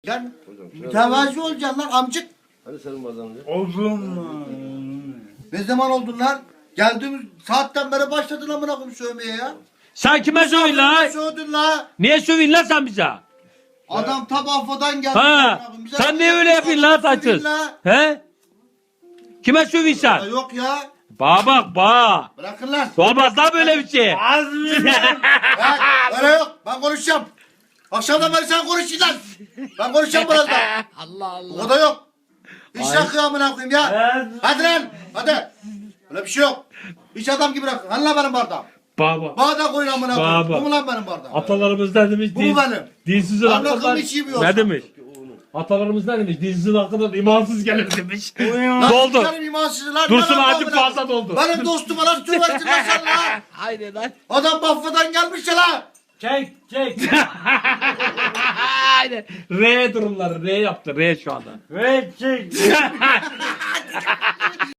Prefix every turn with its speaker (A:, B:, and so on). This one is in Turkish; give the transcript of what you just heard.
A: Sen mütevazi olacaksın lan amcık.
B: Hadi senin bardağını.
C: Oğlum.
A: Ne zaman oldun lan? Geldiğimiz saatten beri başladın amına koyayım sövmeye ya.
D: Sen kime sövün la?
A: Sövdün la.
D: Niye sövün la sen bize?
A: Adam tabafadan geldi.
D: Ha?
A: Bize
D: Sen niye öyle yapıyorsun la
A: sövün
D: taçsız?
A: la.
D: He? Kime sövün
A: Ya
D: sen?
A: yok ya.
D: Bak bak.
A: Bırakın lan.
D: Olmaz lan böyle bir şey.
C: Az mı?
A: Bak, öyle yok. Ben konuşacağım. Akşamdan beri sen konuşacaksın lan. Ben konuşacağım birazdan.
D: Allah Allah.
A: O da yok. Hiç rakı amına koyayım ya. Hadi lan. Hadi. Öyle bir şey yok. Hiç adam gibi rakı. Hani lan benim bardağım.
D: Baba.
A: Bardak koyun amına koyayım.
D: Baba.
A: Bu mu lan benim bardağım?
D: Atalarımız ne demiş?
A: Bu mu benim?
D: Dinsizin
A: Ben
D: hakkından.
A: rakımı içeyim yoksa.
D: Ne demiş? Atalarımız ne demiş? Dinsizin hakkından imansız gelir demiş.
A: Lan
D: Doldu.
A: sikerim imansızı lan.
D: Dursun
A: Lan
D: acı
A: amına
D: fazla
A: koyayım.
D: doldu.
A: Benim dostuma lan söversin lan sen lan.
D: Aynen lan.
A: Adam Bafra'dan gelmiş ya lan.
C: Çek.
D: Aynen. R durumları. R yaptı. R şu anda.
C: Ve çek.